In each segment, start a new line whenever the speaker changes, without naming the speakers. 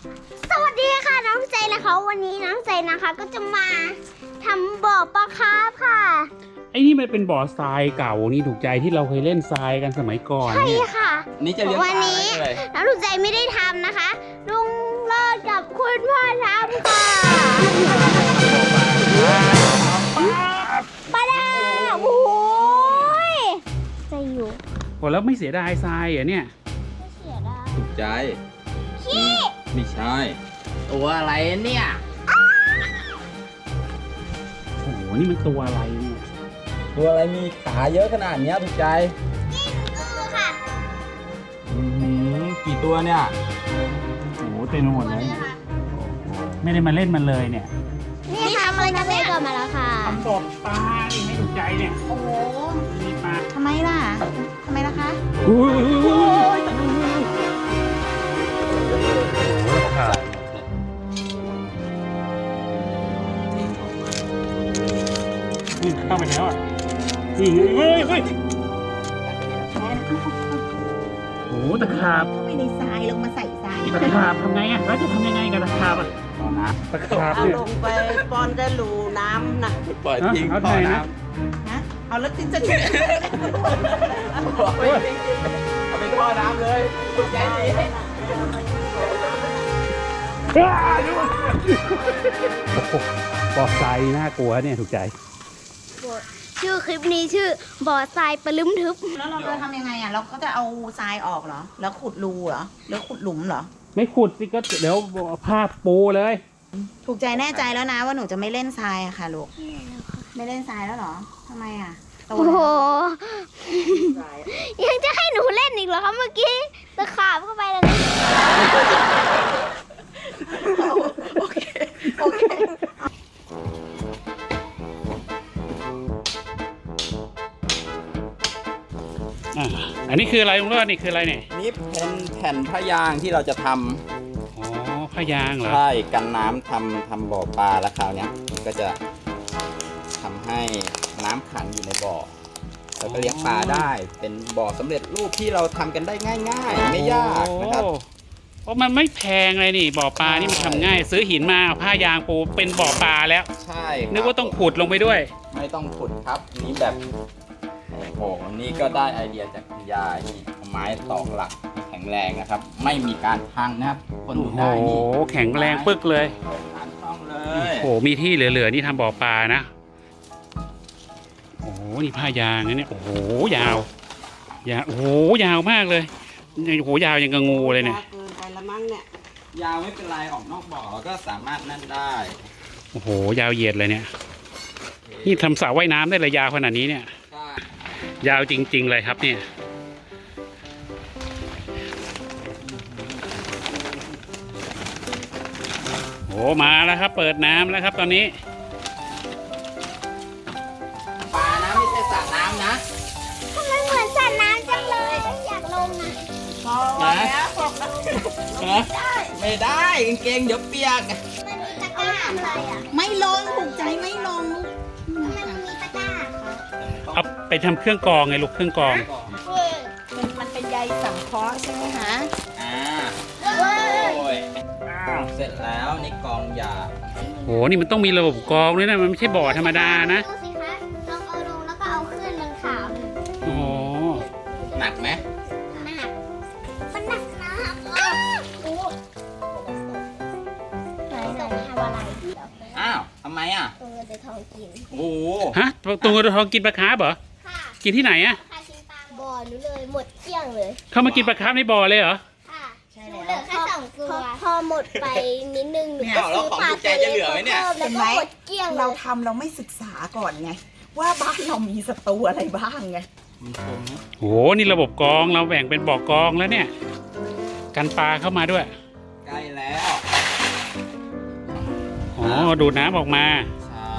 สวัสดีค่ะน้องใจนะคะวันนี้น้องใจนะคะก็จะมาทำบ่อปลาคาร์ฟค่ะ
ไอ้นี่มันเป็นบ่อทรายเก่านี่ถูกใจที่เราเคยเล่นทรายกันสมัยก่อน
ใช่
เนี่ย
ค่ะ
นี่จะเลี้ยงป
วัน
ลา
นี้
อะไร
น้องถูกใจไม่ได้ทำนะคะลุงเลิศกับคุณพ่อทำค่ะปลาดาโอ้ยใจอยู่
โหแล้วไม่เสียดายทรายเหรอเนี่ย
ไม่เสียดาย
ถูกใจไม่ใช่ตัวอะไรเนี่ย
โอ้โหนี่มันตัวอะไรเนี่ย
ตัวอะไรมีขาเยอะขนาดเนี้ยถูกใจ
กิ้งกือค่ะ
กี่ตัวเนี่ย
โอ้โหเต็มไปหมดเลย
นี่ค่ะ
ไม่ได้มาเล่นมันเลยเนี่ย
นี่ทำอะไรกันเนี่ยเกิดมาแล้วค่ะ
ทำบ่อปลานี่ไม่ถูกใจเนี่ย
โอ้โห
มีปลา
ทำไมล่ะ ทำไมล่ะคะ
อุ้ยขาดนี่เข้าไปแล้วอ่ะนี่ไงเฮ้ยโอ้โหตะขาบ
เข้าไปในทรายลงมาใส่ทราย
ตะขาบทำไงอ่ะแล้วจะทำยังไงกับตะขาบอ่ะ
เอานะ
ตะขาบ
เอา
เนี่ย
ลงไปป้อนกระลูน้ำนะ
ปล่อยทิ้ง
เอา
ต่อ
ไหนนะ
น้
ฮะเอาแล้วจะ
ำเอาไปท่อน้ำเลยถูกใจดี
บ่อทรายน่ากลัวเนี่ยถูกใจ
ชื่อคลิปนี้ชื่อบ่อทรายปลึ้มทึบ
แล้วเราจะทำยังไงอ่ะ เราก็จะเอาทรายออกเหรอ แล้วขุดรูเหรอ แล้วขุดหลุมเหรอ
ไม่ขุดสิก็เดี๋ยวผ้าปูเลย
ถูกใจแน่ใจแล้วนะว่าหนูจะไม่เล่นทรายอะค่ะลูก ไม่เล่นทรายแล้วเหรอทำไมอ่ะโต
โอ้โห
แล้ว
ยังจะให้หนูเล่นอีกเหรอคะเมื่อกี้ตะขาบเข้าไปแล้วนะ
โอเค โอเค
อันนี้คืออะไรลุงเลิศนี่คืออะไรเนี่ย
นี่เป็นแผ่นผ้ายางที่เราจะทำ
อ๋อผ้ายางเหรอ
ใช่กันน้ำทำบ่อปลาแล้วคราวเนี้ยก็จะทำให้น้ำขังอยู่ในบ่อแล้วก็เลี้ยงปลาได้เป็นบ่อสำเร็จรูปที่เราทำกันได้ง่ายๆ ไม่ยากนะครับ
โอ้เพราะมันไม่แพงเลยนี่บ่อปลานี่มันทำง่าย ซื้อหินมาเอาผ้ายางปูเป็นบ่อปลาแล้ว
ใช่ครับ
นึกว่าต้องขุดลงไปด้วย
ไม่ต้องขุดครับนี่แบบโอ้โหนี่ก็ได้ไอเดียจากคุณยายนี่เอาไม้ตอกหลักแข็งแรงนะครับ ไม่มีการพังนะครับคน
โอ้
ดู
โห
ได้นี่
แข็งแรงปึกเลย
การต้องเล
โอ้
ย
โหมีที่เหลือๆนี่ทำบ่อปลานะโอ้โหนี่ผ้ายางนะเนี่ยโอ้โหยาวยาวโอ้โหยาวมากเลยโอ้โหยาวยังกระงูเลยเนี่ย
เกินไปละมั้งเนี่ย
ยาวไม่เป็นไรออกนอกบ่อก็สามารถนั่นได้
โอ้โหยาวเหยียดเลยเนี่ยนี่ทำสระว่ายน้ำได้เลยยาวขนาดนี้เนี่ย
ใช่
ยาวจริง ๆ เลยครับเนี่ยโอ้มาแล้วครับ เปิดน้ำแล้วครับตอนนี้
ปลานะไม่ใช่สระน้ำนะ
ทำไมเหมือนสระน้ำจังเลยอยากลงนะ
พอแล้ว
ไม่ได้กางเกงเดี๋ยวเปียก
มันมีตะกร้าอะไรอ่ะ
ไม่ลงถูกใจไม่ลง
ทำไมมันมีตะกร้าคะ
เอาไปทำเครื่องกรองไงลูกเครื่องกรอง
มันเป็นใยสังเคราะห์ใช่ไหมคะ
อ่าโอ้ยเสร็จแล้วนี่กองยา
โหนี่มันต้องมีระบบกรองด้วยนะมันไม่ใช่บ่อธรรมดานะ
ดูสิคะลองเอาลงแล้วก็เอาขึ้นมันขาวเลย
โอ้โห
หนักไหม
หนักมันหนักนะอ้าวโอ้ไหนทำอะไร
อ้าวทำไมอ่ะ
ตัวเงินตัวทองกิน
โอ้โห
ฮะตัวเงินตัวทองกินปลาคาร์ฟเหรอ
ค่ะ
กินที่ไหนอะ
ค่ะกินปลาบ่อหนูเลยหมดเกลี้ยงเลย
เข้ามากินปลาคาร์ฟในบ่อเลยเหรอ
ค่ะ
ใช่
หนู
แล้ว
เหลือแค่2 ตัวพอหมดไปนิดนึงหนู
เนี่ย
ก็
แล้ว
ซื้อ
ของ
ปลา
ถูกใจจะเหลือไหมเนี่ย
แล้วก็หมดเกลี้ยงเล
เรา
ย
ทำเราไม่ศึกษาก่อนไง ว่าบ้านเรามีศัตรูอะไรบ้างไง
มันคมนะ
โหนี่ระบบกรองเราแบ่งเป็นบ่อกรองแล้วเนี่ย กันปลาเข้ามาด้วย
ใกล้แล้ว
อ๋อดูดน้ำออกมา
ใช่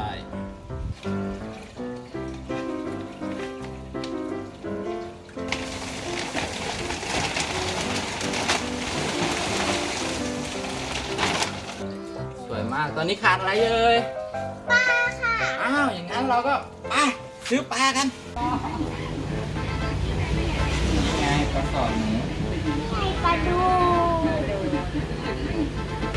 สวยมากตอนนี้ขาดอะไรเอ่ย
ปลาค่ะ
อ้าวอย่างนั้นเราก็ไปซื้อปลากันนี่ไงปลาสอดหมู
ไข่ปลาดู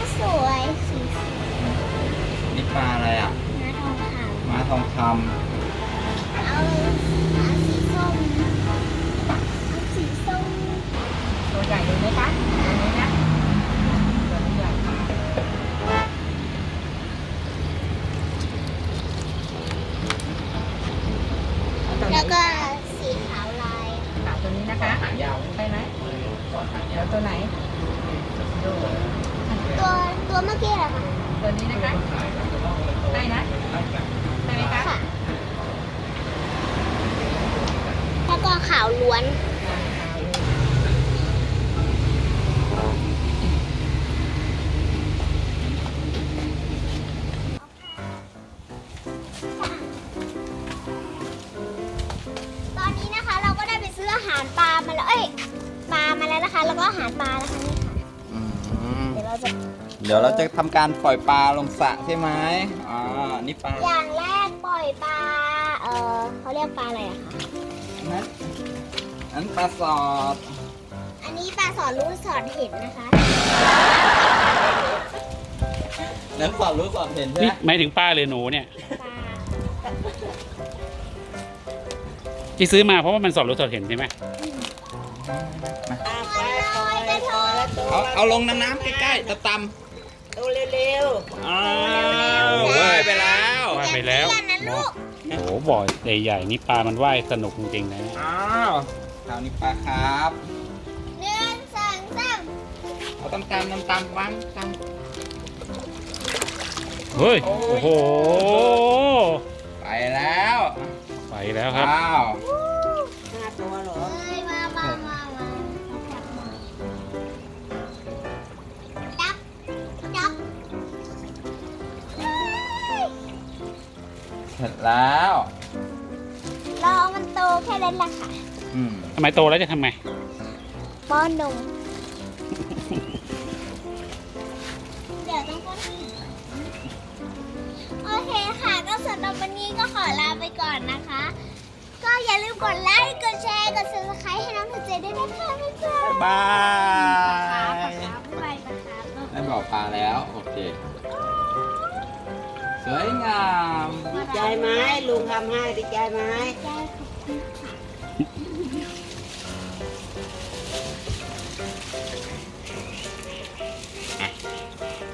ทองค
เอาสีส้มเอาสีส้ม
ตัวใหญ่เลยไหมคะตัวนี้นะตัวนี้ใหญ่
แล้วก็สีขาวลาย
ขาวตัวนี้นะคะ
ำหางยาว
ใช่ไหมแล้วตัวไหน
ตัวเมื่อกี้เหรอคะ
ตัวนี้นะคะได้นะใช่ไหมคะ
ค่ะแล้วก็ขาวล้วน ตอนนี้นะคะเราก็ได้ไปซื้ออาหารปลามาแล้ว ปลามาแล้วนะคะ แล้วก็อาหารปลานะคะนี่ค่ะ
อืม
เดี๋ยวเราจะ
เดี๋ยวเราจะทำการปล่อยปลาลงสระใช่ไหมนี่ปลา
อย่างแรกปล่อยปลา เขาเรียกปลาอะไรอะคะ
อันปลาสอด
อันนี้ปลาสอดรู้สอดเห็นนะคะ
แล้วสอดรู้สอดเห็นใช่ไห
นี่
ม
หมายถึงป้าหรือหนูเนี่ย
ปลา
ที่ซื้อมาเพราะว่ามันสอบรู้สอบเห็นใช่ไหม
อ่ะไปปล่อยปล่อยแล้วตัว
เอาลงน้ำใกล้ๆตะต
ตัวเร็ว
ำอ้าวว่ายไปแล้ว
ว่ายไปแล้ว
อย่าเตี้ยนะลูก
โอ้โหบ่อใหญ่ๆนี่ปลามันว่ายสนุกจริงๆนะ
อ้าวคราวนี้ปลาครับ
หนึ่งสองสาม
เอาตำวางต
เฮ้ย โอ้โห
ำไปแล้ว
ไปแล้วครับ
ว้าว
ๆ5 ตัวเหรอ
เอ้ยมาจับจับ
เสร็จแล้ว
รอมันโตแค่นั้นแหละค่ะ
อืม
ทำไมโตแล้วจะทำไง
ป้อนนมเดี๋ยวต้องป้อนอีกโอเคค่ะ ก็สำหรับวันนี้ก็ขอลาไปก่อนนะคะ ก็อย่าลืมกดไลค์ กดแชร์ กด subscribe ให้น้องเธอเจด้วยนะคะบ๊ายบาย
บาย
บ๊ายบายนะคะ
ได้บอกปลาแล้ว โอเค สวยงาม
ดีใจไหมลุงทำให้ดีใจไหม
ได้ขอบคุณค่ะ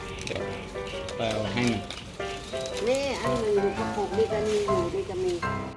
เปิดให้มัน
นี่อันหนึ่งอยู่กระปุกนี่ก็มีอยู่นี่ก็มี